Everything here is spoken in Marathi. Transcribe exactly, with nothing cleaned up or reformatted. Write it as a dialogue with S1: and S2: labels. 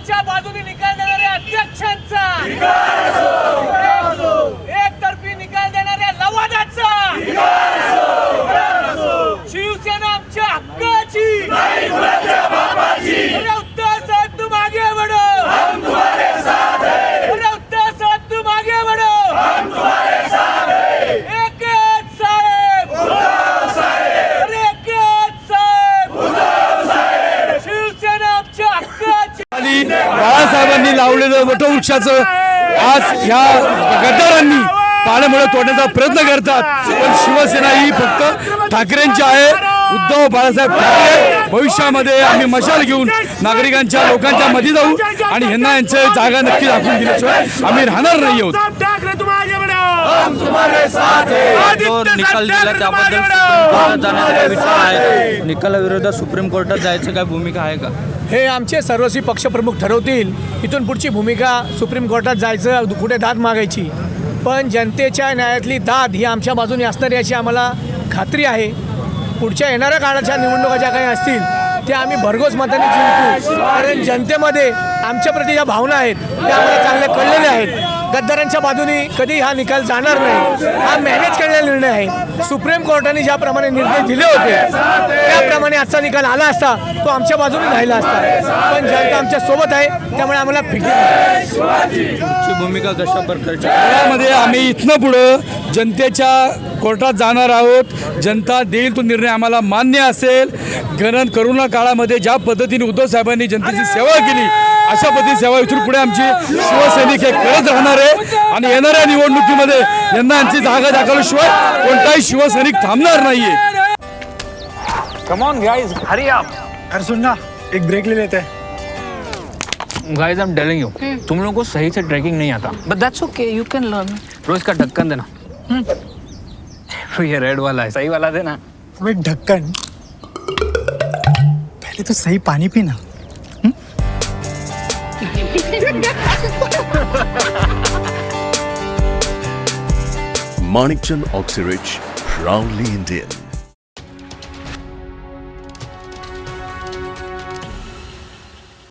S1: गद्दारांच्या बाजूने निकाल देणाऱ्या अध्यक्षांचा, एकतर्फी निकाल देणाऱ्या लवादाचा, शिवसेना आमच्या हक्काची, अरे उत्तर साहेब तुम आगे बढ़ो, हम तुम्हारे साथ हैं, अरे उत्तर साहेब तुम आगे बढ़ो, हम तुम्हारे साथ हैं, एक साहेब, अरे एक साहेब, शिवसेना आमच्या हक्काची.
S2: बाळासाहेबांनी लावलेलं वटवृक्षाचं आज ह्या गद्दारांनी पाण्यामुळे तोडण्याचा प्रयत्न करतात, पण शिवसेना ही फक्त ठाकरेंची आहे. उद्धव बाळासाहेब ठाकरे भविष्यामध्ये आम्ही मशाल घेऊन नागरिकांच्या लोकांच्या मध्ये जाऊ आणि ह्यांना यांचे जागा नक्की दाखवून दिल्याशिवाय आम्ही राहणार नाही आहोत.
S3: जो निकाल दिला त्याबद्दल सुप्रीम कोर्टात जाण्याचा विचार आहे. निकालाविरोधात सुप्रीम कोर्टात जायचं काय भूमिका आहे का?
S4: हे आमचे सर्वस्वी पक्षप्रमुख ठरवतील. इथून पुढची भूमिका सुप्रीम कोर्टात जायचं, कुठे दाद मागायची, पण जनतेच्या न्यायातली दाद ही आमच्या बाजूने असणार याची आम्हाला खात्री आहे. पुढच्या येणाऱ्या काळाच्या निवडणुका ज्या काही असतील त्या आम्ही भरघोस मताने जिंकू, कारण जनतेमध्ये आमच्या प्रति ज्या भावना आहेत त्या आम्हाला चांगल्या कळलेल्या आहेत. गद्दारांच्या बाजूने कधी हा निकाल जाणार नाही, हा मॅनेज केलेला निर्णय आहे. सुप्रीम कोर्टाने ज्याप्रमाणे निर्णय दिले होते त्याप्रमाणे आजचा निकाल आला असता तो आमच्या बाजूने राहिला असता, पण जनता आमच्या सोबत आहे त्यामुळे आम्हाला फिकीर नाही.
S3: भूमिका कशा प्रकारची?
S2: यामध्ये आम्ही इथनं पुढं जनतेच्या कोर्टात जाणार आहोत. जनता देईल तो निर्णय आम्हाला मान्य असेल. गणन करोना काळामध्ये ज्या पद्धतीने उद्धव साहेबांनी जनतेची सेवा केली अशा पद्धती सेवा इथून पुढे आमची शिवसैनिक हे करत राहणार आहे आणि येणाऱ्या निवडणुकीमध्ये यांना यांची जागा दाखवल्याशिवाय कोणताही शिवसैनिक थांबणार नाहीये.
S5: Come on guys, hurry up.
S6: अरे सुन ना, एक ब्रेक ले लेते हैं.
S5: Guys, I'm telling you, तुम लोगों को सही से ट्रैकिंग नहीं आता. But that's okay, you can learn. रोज का ढक्कन देना. ये रेड वाला है, सही वाला देना.
S6: अबे ढक्कन, पहले तो सही पानी पीना.
S7: Manikchand Oxyrich, proudly Indian.